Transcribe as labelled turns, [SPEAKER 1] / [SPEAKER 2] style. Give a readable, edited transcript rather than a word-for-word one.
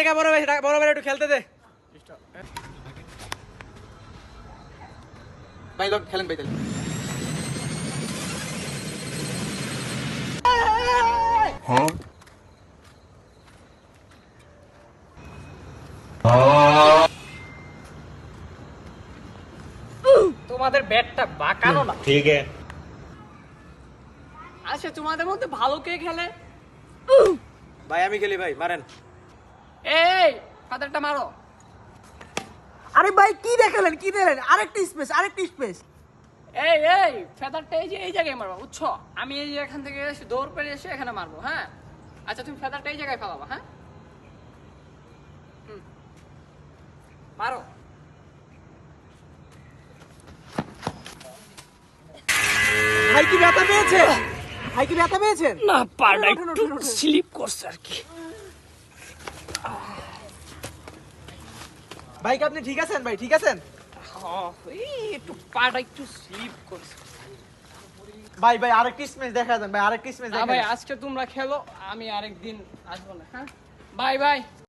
[SPEAKER 1] জায়গা বড় ভাই একটু খেলতে দে ভাই লোক খেলেন ভাই তাহলে
[SPEAKER 2] হ্যাঁ
[SPEAKER 3] তোমাদের ব্যাটটা বাঁকানো না
[SPEAKER 2] ঠিক আছে
[SPEAKER 3] আচ্ছা তোমাদের মধ্যে ভালো কে খেলে
[SPEAKER 1] ভাই আমি খেলি ভাই মারেন
[SPEAKER 3] এই ফাদারটা মারো
[SPEAKER 4] আরে ভাই কি দেখালেন কি দিলেন আরেকটা স্পেস
[SPEAKER 3] এই ফেদারটা এই যে এই জায়গায় মারবো বুঝছো আমি এই যে এখান থেকে এসে দৌড় পেরে এসে এখানে মারবো হ্যাঁ আচ্ছা তুমি ফেদারটা এই জায়গায় ফেলাবো হ্যাঁ মারো
[SPEAKER 4] ভাই কি ব্যথা পেয়েছেন
[SPEAKER 3] না পাটা
[SPEAKER 4] উঠুন,
[SPEAKER 3] একটু
[SPEAKER 4] উঠুন, উঠুন।
[SPEAKER 3] স্লিপ করছে আর কি
[SPEAKER 1] ভাই কি আপনি ঠিক আছেন ভাই ঠিক আছেন
[SPEAKER 3] এই একটু পাটা একটু স্লিপ করছে
[SPEAKER 1] ভাই ভাই আরেকটা স্ম্যাচ দেখা দেন ভাই আরেকটা স্ম্যাচ
[SPEAKER 3] না
[SPEAKER 1] দেখা
[SPEAKER 3] ভাই
[SPEAKER 1] দেন
[SPEAKER 3] আজকে তোমরা খেলো আমি আরেকদিন আসবো না হ্যাঁ বাই বাই